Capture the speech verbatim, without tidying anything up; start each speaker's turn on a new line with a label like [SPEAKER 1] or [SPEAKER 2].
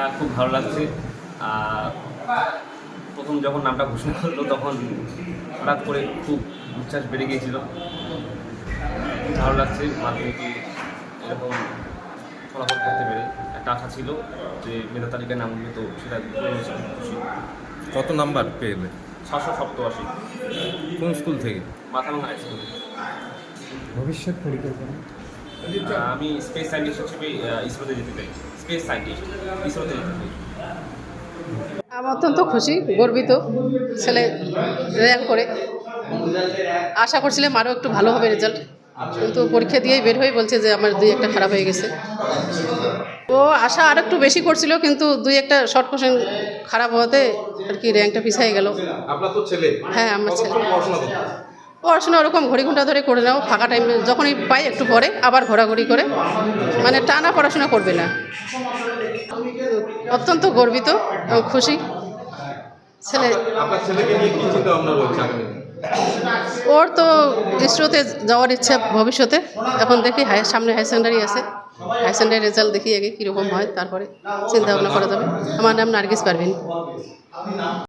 [SPEAKER 1] খুব ভালো লাগছে। আর প্রথম যখন নামটা ঘোষণা করলো তখন হঠাৎ করে খুব উচ্ছ্বাস বেড়ে গিয়েছিল। খুব ভালো লাগছে মাধ্যমিকে এরকম ফলাফল করতে পেরে। একটা আশা ছিল যে মেধা তালিকায় নাম উঠবে, তো সেটা হয়েছে, খুব খুশি।
[SPEAKER 2] কত নাম্বার পেলে?
[SPEAKER 1] ছশো সপ্তআশি।
[SPEAKER 2] কোন স্কুল থেকে?
[SPEAKER 1] Mathabhanga high school.
[SPEAKER 3] ভবিষ্যৎ পরিকল্পনা?
[SPEAKER 1] আমি স্পেস সায়েন্টিস্ট হিসেবে ইসরোতে যেতে চাই। স্পেস সায়েন্টিস্ট ইসরোতে যেতে চাই।
[SPEAKER 4] আমি অত্যন্ত খুশি, গর্বিত। ছেলে র্যাঙ্ক করে আশা করছিলাম আরও একটু ভালো হবে রেজাল্ট, কিন্তু পরীক্ষা দিয়েই বের হয়ে বলছে যে আমার দুই একটা খারাপ হয়ে গেছে। ও আশা আর একটু বেশি করছিল, কিন্তু দুই একটা শর্ট কোশ্চেন খারাপ হওয়াতে আর কি র্যাঙ্কটা পিছিয়ে গেল।
[SPEAKER 2] আপনার তো ছেলে?
[SPEAKER 4] হ্যাঁ, আমার ছেলে
[SPEAKER 2] পড়াশোনা করতে?
[SPEAKER 4] পড়াশোনা ওরকম ঘড়ি ঘন্টা ধরে করে নাও, ফাঁকা টাইম যখনই পাই একটু পরে আবার ঘোরাঘুরি করে, মানে টানা পড়াশোনা করবে না। অত্যন্ত গর্বিত এবং খুশি। ছেলে
[SPEAKER 2] আপনার ছেলেকে নিয়ে কি চিন্তা ভাবনা রয়েছে আগামী?
[SPEAKER 4] ওর তো ইসরোতে যাওয়ার ইচ্ছা ভবিষ্যতে। এখন দেখি হাই সামনে হাই সেকেন্ডারি আছে, হাই সেকেন্ডারি রেজাল্ট দেখি আগে কীরকম হয়, তারপরে চিন্তা ভাবনা করা যাবে। আমার নাম নার্গিস পারভিন।